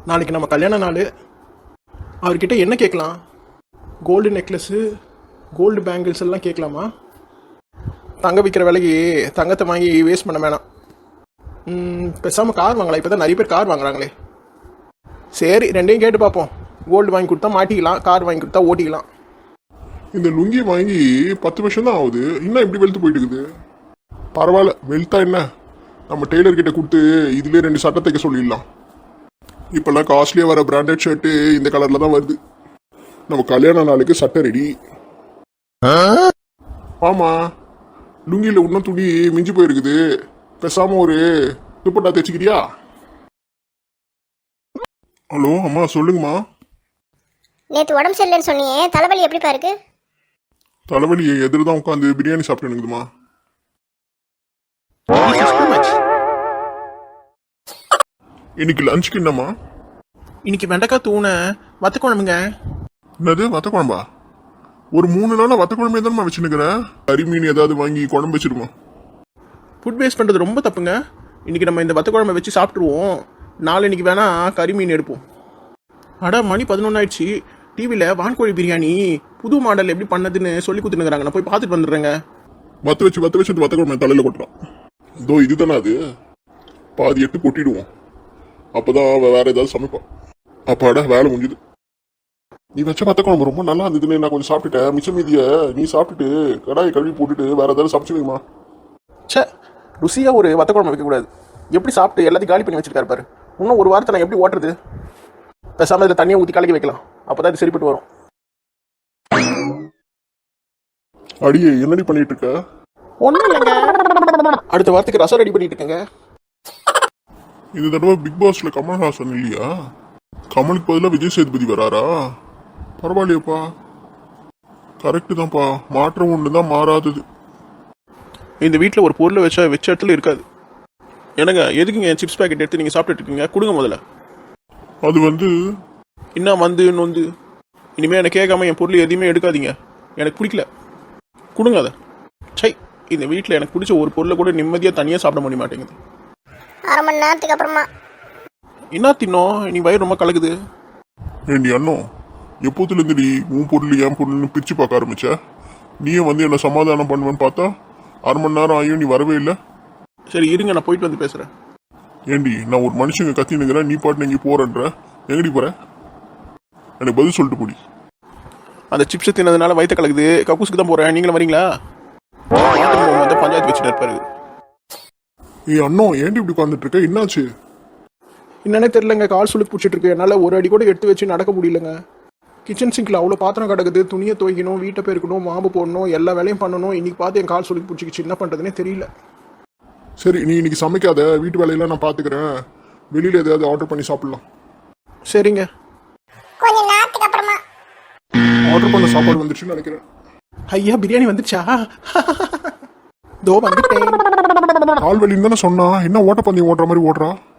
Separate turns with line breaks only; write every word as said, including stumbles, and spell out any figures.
நாளைக்கு நம்ம கல்யாண நாள். அவர்கிட்ட என்ன கேட்கலாம்? கோல்டு நெக்லஸ்ஸு, கோல்டு பேங்கிள்ஸ் எல்லாம் கேட்கலாமா? தங்க விற்கிற விலைக்கு தங்கத்தை வாங்கி வேஸ்ட் பண்ண வேணாம். பேசாமல் கார் வாங்கலாம். இப்போ தான் நிறைய பேர் கார் வாங்குறாங்களே. சரி, ரெண்டையும் கேட்டு பார்ப்போம். கோல்டு வாங்கி கொடுத்தா மாட்டிக்கலாம், கார் வாங்கி கொடுத்தா ஓட்டிக்கலாம்.
இந்த லுங்கி வாங்கி பத்து வருஷம் தான் ஆகுது, இன்னும் எப்படி வெளுத்து போயிட்டு இருக்குது? பரவாயில்ல, வெளுத்தா என்ன, நம்ம டெய்லர் கிட்ட கொடுத்து இதுலேயே ரெண்டு சட்டை தைக்க சொல்லிடலாம். இப்போல்லாம் காஸ்ட்லியாக வர பிராண்டட் ஷர்ட்டு இந்த கலரில் தான் வருது. நம்ம கல்யாண நாளுக்கு சட்டை ரெடி. ஆமாம், லுங்கியில் இன்னும் துணி மிஞ்சி போயிருக்குது. பேசாமல் ஒரு துப்பட்டா தைச்சிக்கிறியா? ஹலோ அம்மா, சொல்லுங்கம்மா.
நேற்று உடம்பு சரியில்லைன்னு சொன்னியே, தலைவலி எப்படிப்பா இருக்கு?
தலைவலி எதிர் தான் உட்காந்து பிரியாணி சாப்பிட்டு இருக்குதுமா. இன்னைக்கு லஞ்சுக்கு என்னம்மா?
இன்னைக்கு வெண்டைக்காய் தூண வத்த குழம்புங்க.
என்னது வத்த குழம்பா? ஒரு மூணு நாளா வத்த குழம்பே தானே வச்சுருக்கிறேன். கறி மீன் ஏதாவது வாங்கி குழம்பு வச்சிருமா.
ஃபுட் வேஸ்ட் பண்ணுறது ரொம்ப தப்புங்க. இன்னைக்கு நம்ம இந்த வத்த குழம்பை வச்சு சாப்பிட்ருவோம். நாளை இன்னைக்கு வேணா கறி மீன் எடுப்போம். அடா, மணி பதினொன்று ஆயிடுச்சு. டிவியில் வான்கோழி பிரியாணி புது மாடல் எப்படி பண்ணதுன்னு சொல்லி கொடுத்துனுக்குறாங்க. நான் போய் பார்த்துட்டு வந்துடுறேங்க.
வத்த வச்சு வத்த வச்சு வத்த குழம்பு தலையில் கொட்டுறான். இதோ இதுதானே அது. பாதி எட்டு கொட்டிடுவோம், அப்போதான் வேற ஏதாவது சமைப்பான். அப்பாடா, வேலை முடிஞ்சுது. நீ வச்ச வத்த குழம்பு ரொம்ப நல்லா இருந்ததுன்னு நான் கொஞ்சம் சாப்பிட்டுட்டேன். மிச்சம் மீதிய நீ சாப்பிட்டுட்டு கடாயை கழுவி போட்டுட்டு வேற ஏதாவது சமைச்சு வைமா.
சே, ருசியாக ஒரு வத்த குழம்பு வைக்கக்கூடாது. எப்படி சாப்பிட்டு எல்லாத்தையும் காலி பண்ணி வச்சிருக்காரு பாரு. இன்னும் ஒரு வாரத்தை நான் எப்படி ஓட்டுறது? பேசாமல் இதில் தண்ணியை ஊற்றி கலக்கி வைக்கலாம். அப்போ தான் இது சரிப்பட்டு வரும்.
அடியே, என்னடி பண்ணிட்டு இருக்க?
ஒன்றும் இல்லைங்க, அடுத்த வாரத்துக்கு ரசம் ரெடி பண்ணிட்டு இருக்கேங்க.
இந்த தடவை பிக் பாஸ்ல கமல்ஹாசன் இல்லையா? கமலுக்கு பதிலாக விஜய் சேதுபதி வராரா? பரவாயில்லையப்பா, கரெக்டு தான்ப்பா. மாற்றம் ஒன்று தான் மாறாதது.
இந்த வீட்டில் ஒரு பொருளை வச்சா வச்ச இடத்துல இருக்காது. என்னங்க, எதுக்குங்க என் சிப்ஸ் பேக்கெட் எடுத்து நீங்கள் சாப்பிட்டுட்டு இருக்கீங்க? கொடுங்க முதல்ல.
அது வந்து
இன்னும் வந்து நொந்து இனிமேல் எனக்கு கேட்காம என் பொருள் எதையுமே எடுக்காதீங்க. எனக்கு பிடிக்கல, கொடுங்க அதை. சை, இந்த வீட்டில் எனக்கு பிடிச்ச ஒரு பொருளை கூட நிம்மதியாக தனியாக சாப்பிட முடிய மாட்டேங்குது.
அரை மணி நேரத்துக்கு அப்புறமா
என்ன தின்னோம்? நீ வயிறு ரொம்ப கலக்குது.
ஏண்டி அண்ணோ, எப்போதுலேருந்து நீ உன் பொருள் என் பொருள்னு பிரித்து பார்க்க ஆரம்பிச்ச. நீயே வந்து என்ன சமாதானம் பண்ணுவேன்னு பார்த்தா அரை மணி நேரம் ஆகியும் நீ வரவே இல்லை.
சரி இருங்க, நான் போயிட்டு வந்து பேசுகிறேன்.
ஏண்டி, நான் ஒரு மனுஷங்க கத்தினுங்கிறேன், நீ பாட்டு எங்கே போறன்ற? எங்கடி போற? எனக்கு பதில் சொல்லிட்டு போடி.
அந்த சிப்ஸை தின்னதுனால வயிற்று கலக்குது, கக்கூசுக்கு தான் போகிறேன். நீங்களும் வரீங்களா? வந்து பஞ்சாயத்து வச்சுட்டு இருப்பாரு.
ஏ அண்ணோ, ஏண்டி இப்படி உட்காந்துட்டு இருக்க? என்னாச்சு?
என்னன்னே தெரியலங்க, கால் சுளுக்கு பிடிச்சிட்டு இருக்கு. என்னால் ஒரு அடி கூட எடுத்து வச்சு நடக்க முடியலங்க. கிச்சன் சிங்கில் அவ்வளோ பாத்திரம் கிடக்குது. துணியை துவைக்கணும், வீட்டை பெருக்கணும், மாவு போடணும், எல்லா வேலையும் பண்ணணும். இன்னைக்கு பார்த்து என் கால் சுளுக்கு பிடிச்சிக்கிச்சு. என்ன பண்ணுறதுனே தெரியல.
சரி, நீ இன்னைக்கு சமைக்காத, வீட்டு வேலையெல்லாம் நான் பார்த்துக்கிறேன். வெளியில் எதாவது ஆர்டர் பண்ணி சாப்பிடலாம்.
சரிங்க.
கொஞ்சம் நேரத்துக்கு அப்புறமா
ஆர்டர் பண்ண சாப்பாடு வந்துச்சுன்னு நினைக்கிறேன்.
ஐயா, பிரியாணி வந்துச்சா? தோ வந்துட்டேன்.
கால் வலின்னு தானே சொன்னா, என்ன ஓட்டப்பந்தயம் ஓடுற மாதிரி ஓடுறா?